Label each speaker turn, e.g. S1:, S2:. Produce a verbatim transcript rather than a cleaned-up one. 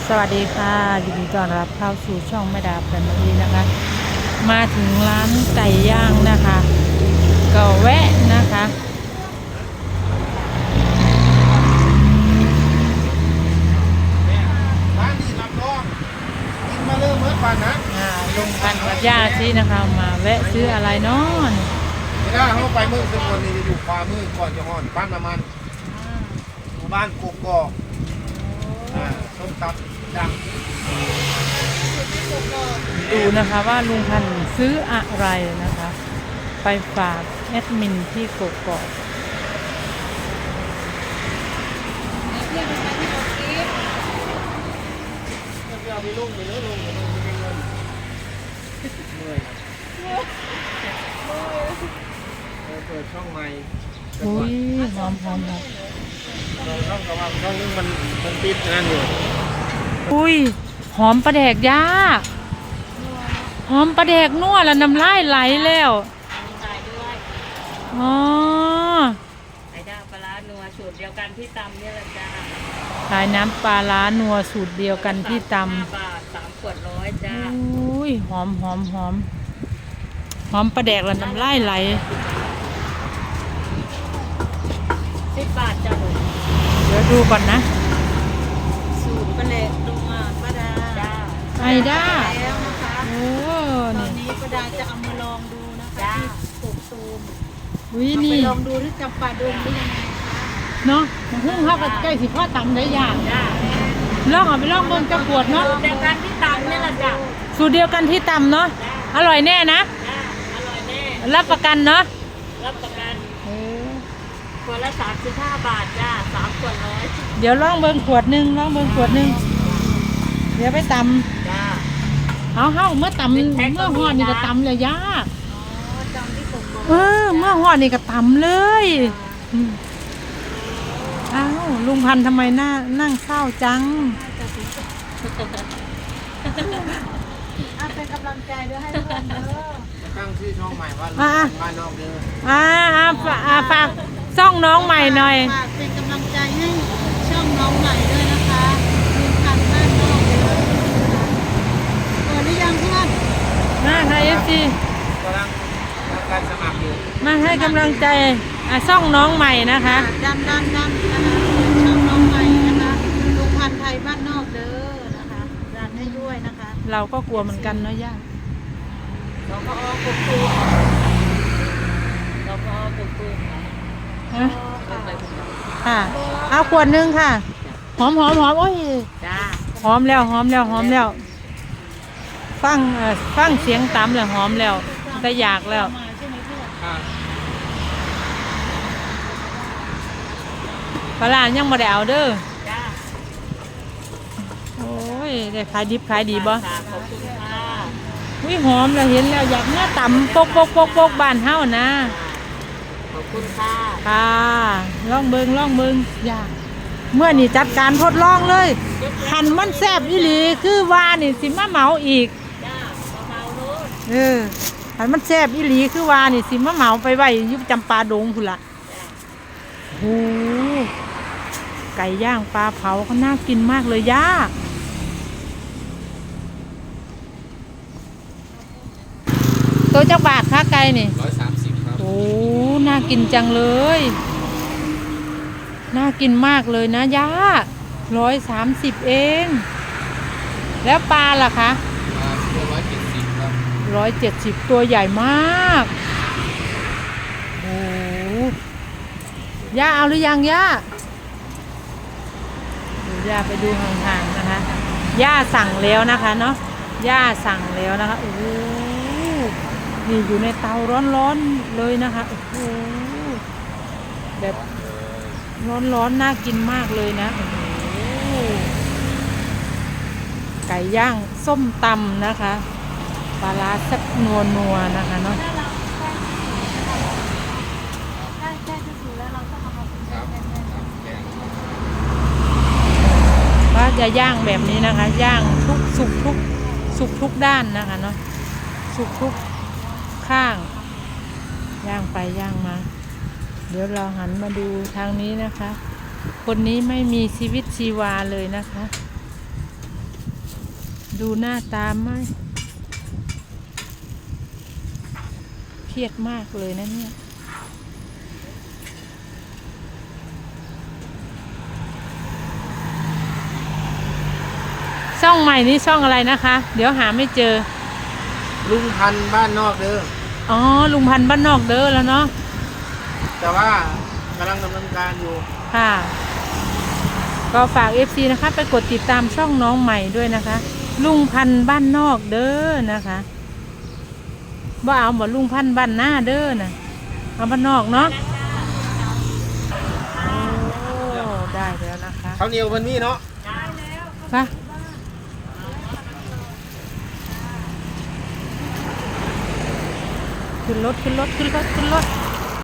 S1: สวัสดีค่ะยินดีต้อนรับเข้าสู่ช่องแม่ดาแฟมิลี่นะคะมาถึงร้านไก่ย่างนะคะก็แวะนะคะ
S2: ร้านนี้รับรองกินมาเริ่มเมื่อก่อนนะ
S1: อ่าลุงพันกับย่าที่นะคะมาแวะซื้ออะไรเนาะ
S2: ไม่ได้เขาไปมือซึ่งวันนี้จะอยู่ขวามือก่อนจะห่อนบ้านน้ำมันหมู่บ้านกกอกอ่าส้มตำดัง
S1: ดูนะคะว่าลุงพันซื้ออะไรนะคะไปฝากแอดมินที่กกอก
S2: เอาไปลุ่มไปเนื้อลงไปลุ่มไปเงินเมื่อยเปิดช่องใหม่
S1: อุ้ยหอมหอมหอม
S2: เราช่องกระว่าช่องนึงมันมันปิดงานอยู่
S1: อุ้ยหอมปลาแดกย่าหอมปลาแดกนัวแล้วน้ำลายไหลแล้ว
S3: ขายด้วย
S1: อ๋อ
S3: ไอ้ด้าปลาร้านัวสูตรเดียวกันที่ตำเนี่ยแหละจ้า
S1: ขายน้ำปลาร้านัวสูตรเดียวกันที่ตำ
S3: ห้าบาทสามขวดร้อยจ้า
S1: อุ้ยหอมหอมหอมหอมปลาแดกแล้วน้ำลายไหล
S3: สิบบาทจ้าผม
S1: เดี๋ยวดูก่อนนะ
S3: สูตรปลาเล็กลงมาป้าดาจ้า
S1: ไอด้า
S3: แล้วนะคะ
S1: โอ้
S3: ตอน
S1: นี่
S3: นี้ป้าดาจะเอามาลองดูนะคะที่ปลูกตูม
S1: อุ้ย
S3: เอาไป
S1: นี่
S3: ลองดูที่จำปาดงได้ยังไงคะ
S1: เนาะมันเพิ่งเข้ากับใกล้สิพ่อตำได้ย่าง
S3: จ้า
S1: ลองเอาไปลองเบิ่งจะปวดเนาะ
S3: สูตรเดียวกันที่ตำเนี่ยแหละจ้า
S1: สูตรเดียวกันที่ตำเนาะอร่อยแน่นะ
S3: จ้าอร่อยแน่
S1: รับประกันเนาะ
S3: รับประกัน
S1: เออ
S3: ขวดละสามสิบห้าบาทจ้าสามขวดร้อย
S1: เดี๋ยวลองเบิ่งขวดหนึ่งลองเบิ่งขวดหนึ่งเดี๋ยวไปต
S3: จ้า
S1: ำเอาเฮาเมื่อตำ
S3: เป็นแพ็ค
S1: เมื่อหอดนี่ก็ตำเลยยาก
S3: อ๋อจำที่ผมบอก
S1: เออเมื่อหอดนี่ก็ตำเลยอืมอ้าวลุงพันธุ์ทำไมหน้านั่งเศร้าจัง
S3: เป็นกำลังใจด้วยให้เพื่อนเด้อ
S2: ตั้งชื่อช่องใหม่ว่า
S1: อ่ะ
S2: บ้านนอกเด้อ
S1: อ่าอ่าฝอ่าฝากซ่องน้องใหม่หน่อย
S3: ฝากเป็นกำลังใจให้ช่องน้องใหม่ด้วยนะคะลุงพันธุ์บ้านนอกเด้อเปิดหรือยังเพื่อน
S1: มาค่ะเอฟซี
S2: กำลังทำการสมัครอยู่
S1: มาให้กำลังใจอ่าซ่องน้องใหม่นะคะ
S3: ดันดันดันนะคะช่องน้องใหม่นะคะลุงพันธุ์ไทยบ้านนอกเด้อนะคะดันให้ด้วยนะคะ
S1: เราก็กลัวเหมือนกันเนาะย่า
S3: สกอกุกตูมสกอกุกตูม
S1: ฮะ
S3: ค่ะ
S1: ค่ะเอาขวดหนึงค่ะ หอมหอมหอมโอ้ย
S3: จ้า
S1: หอมแล้วหอมแล้วหอมแล้ว ฟังเอ่อฟังเสียงตำแล้วหอมแล้วแต่อยากแล้ว
S3: มาใช่ไหมเพื่อน
S2: อ่า
S1: ปลาร้ายังบ่ได้เอาเด้อ
S3: จ้า
S1: โอ้ยได้ขายดิบขายดีบ่
S3: ค่ะขอบคุณค่ะ
S1: อุ้ยหอมแล้วเห็นแล้วอยากเนื้อตำปกปกปกปกบ้านเฮานะ
S3: ขอบคุณค่ะ
S1: ค่ะลองเบิงลองเบิงอยากเมื่อนี่จัดการทดลองเลยหันมันแซ่บอีหลีคือว่านี่สิมาเหมาอีก
S3: จ้าเบาๆโน้ต
S1: เออหันมันแซ่บอีหลีคือว่านี่สิมาเหมาไปไว้อยุบจำปาดงพุ่นละโอ้ไก่ย่างปลาเผาก็น่ากินมากเลยย่าตัวเจ้าบาทค่าไก่นี่
S2: ร้อยสามสิบครับ
S1: โอ้ น่ากินจังเลย น่ากินมากเลยนะย่าร้อยสามสิบเอง แล้วปลาล่ะคะ
S2: ตัวร้อยเจ็ดสิบครับ
S1: ร้อยเจ็ดสิบตัวใหญ่มาก โอ้ย่าเอาหรือยังย่าดูย่าไปดูห่างๆนะคะ ย่าสั่งแล้วนะคะเนาะ ย่าสั่งแล้วนะคะ โอ้โหนี่อยู่ในเตาร้อนๆเลยนะคะ โอ้โหแบบร้อนๆน่ากินมากเลยนะโอ้โหไก่ย่างส้มตำนะคะปลาร้าแซ่บนัวๆนะคะเนาะ
S3: ใช่ใช่ที่สุดแล้วเราต้องเอามาเป็น
S2: ครับครับแกง
S1: ว่าจะย่างแบบนี้นะคะ ย่างทุกสุกทุกสุกทุกด้านนะคะเนาะสุกทุกข้าง ย่างไปย่างมา เดี๋ยวเราหันมาดูทางนี้นะคะ คนนี้ไม่มีชีวิตชีวาเลยนะคะดูหน้าตาไหมเครียดมากเลยนะเนี่ยช่องใหม่นี้ช่องอะไรนะคะ เดี๋ยวหาไม่เจอ
S2: ลุงพันธุ์บ้านนอกเด้อ
S1: อ๋อลุงพันธุ์บ้านนอกเด้อแล้วเนาะ
S2: แต่ว่ากำลังดำเนินการอยู่
S1: ค่ะ ก็ฝาก เอฟ ซี นะคะไปกดติดตามช่องน้องใหม่ด้วยนะคะ ลุงพันธุ์บ้านนอกเด้อนะคะบ่เอาบ่ลุงพันธุ์บ้านหน้าเด้อนะเอาบ้านนอกเนาะโอ้ได้แล้วนะคะ
S2: ข้าวเหนียวมันมีเนาะ
S1: ค่ะขึ้นรถขึ้นรถขึ้นรถขึ้นรถ